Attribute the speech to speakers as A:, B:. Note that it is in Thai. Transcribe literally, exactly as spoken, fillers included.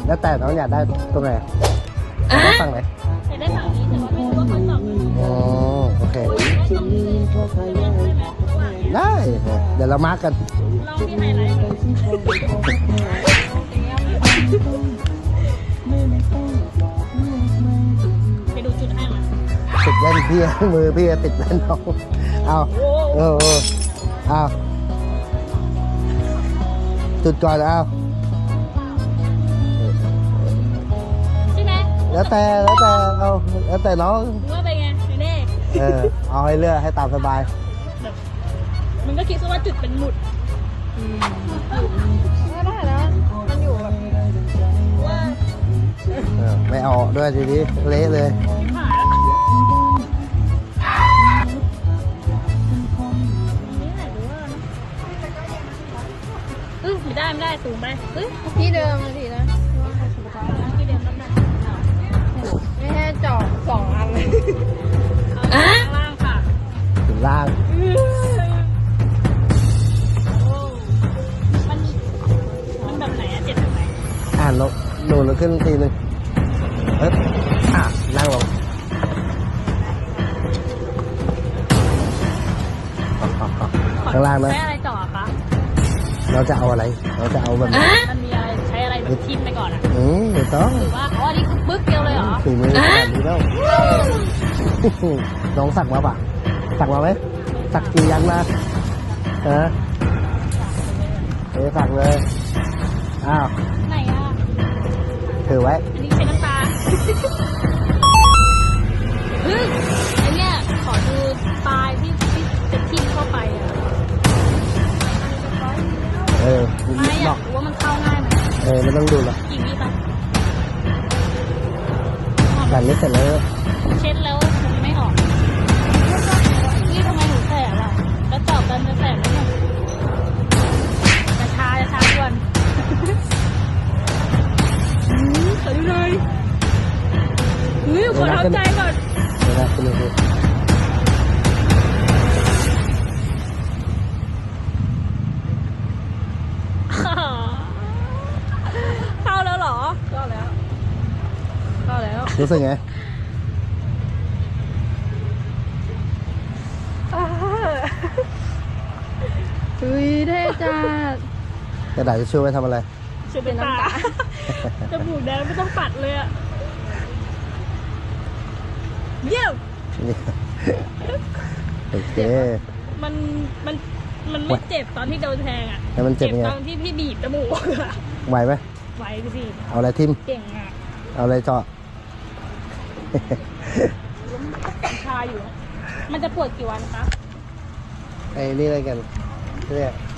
A: แล้วแต่น้องอยากได้ตรงไหนได้ฝั่งไหน
B: จะได้ฝั่งนี้แต่ว่าไม่รู้ว่าเขาตอบไหม
A: อ๋อโอเคได้เดี๋ยวเรามาร์กกัน
B: ลองที่ไฮไลท์ไปดูจุดให้หน่อย
A: ติดแว่นพี่มือพี่ติดแว่นน้องเอาเออเออเอาจุดก่อนเอา
B: ใช่ไหม
A: แล้วแต่แล้วแต่เอาแล้วแต่น้อง
B: รู้ว่าเป็นไงเน่
A: เออเอาให้เลือกให้ตามสบาย
B: มันก็คิดซะว่าจุดเป็นหมุดไม่ได้แล้วมันอยู่แบบว่า
A: เออไม่เอาด้วยทีนี้เละเลย
B: หายแล้วนี่ไหนรู้ว่าเออไม่ได้ไม่ได้สูงไปเฮ้ย
C: ที่เดิมเลยทีนะ
B: ที่เดิมต้องได้
C: ไม่ให้เจาะสองอันเลย
B: เอาข้างล่างค่ะ
A: ถึงล่าง
B: โอ้มันมันแบบไหนอะเจ็บแบบไหน
A: อ่านลงโดนลงขึ้นทีนึงเอ๊ะอ่ะนั่งลงข้างล่างนะ
B: ใช้อะไรจ่อคะ
A: เราจะเอาอะไร เราจะเอาแบบไหน
B: มันมีอะไรใช้อะไรแบบทิ่มไปก่อนอะ
A: อืมไม่ต้อง
B: หรือว่าอ๋ออันนี้คือปึ๊กเดียวเลยเหรอ
A: ฝีมือขนาดนี้แล้วน้องสักมาปะสักมาไหมสักกี่ยันมาฮะเออสักเลยอ้าว
B: ไหนอ่ะ
A: ถือไว้
B: อันนี้ใช้น้ำตาเฮ้ยไอเนี่ยขอดูปลายที่ที่จะทิ่มเข้าไปอ่ะ
A: เออ
B: ไม่อ
A: ด
B: ยา
A: อก
B: กรู้ว่ามันเข้าง่ายไหม
A: เออไม่ต้องดูหรอก
B: กี่วิปะ
A: แบบนี้เสร็จแล้ว
B: เช็ดแล้วมันไม่ออกนี่ทำไมหนูแสบอ่ะแล้วตอบกันจะแสบไหมเนี่ยจะชาจะชาด่วนอืมขอดูหน่อยเฮ้ยขอท้าใจก่อน
A: เดี๋ยวนะคุณดู
B: เข้าแล้วเหรอเข้าแล้วเข้าแล้ว
A: รู้สึกไง
C: อุ้ยเท่จัด
A: กระดาษจะช่วยไว้ทำอะไร
B: ช่วยเป็นน้ำตาจมูกแดงไม่ต้องปัดเลยอะเยี่ยม
A: นี่โอเค
B: มันมันมันไม่เจ็บตอนที่โดนแทงอะ
A: แล้วมันเจ็บยังไง
B: ตอนที่พี่บีบจมูกอะ
A: ไหวไหม
B: ไหวไปสิ
A: เอาอะไรทิม
B: เก่งอะ
A: เอาอะไรเจาะ
B: ชาอยู่ มันจะปวดกี่วันคะ
A: ไอ้นี่อะไรกันเนี่ย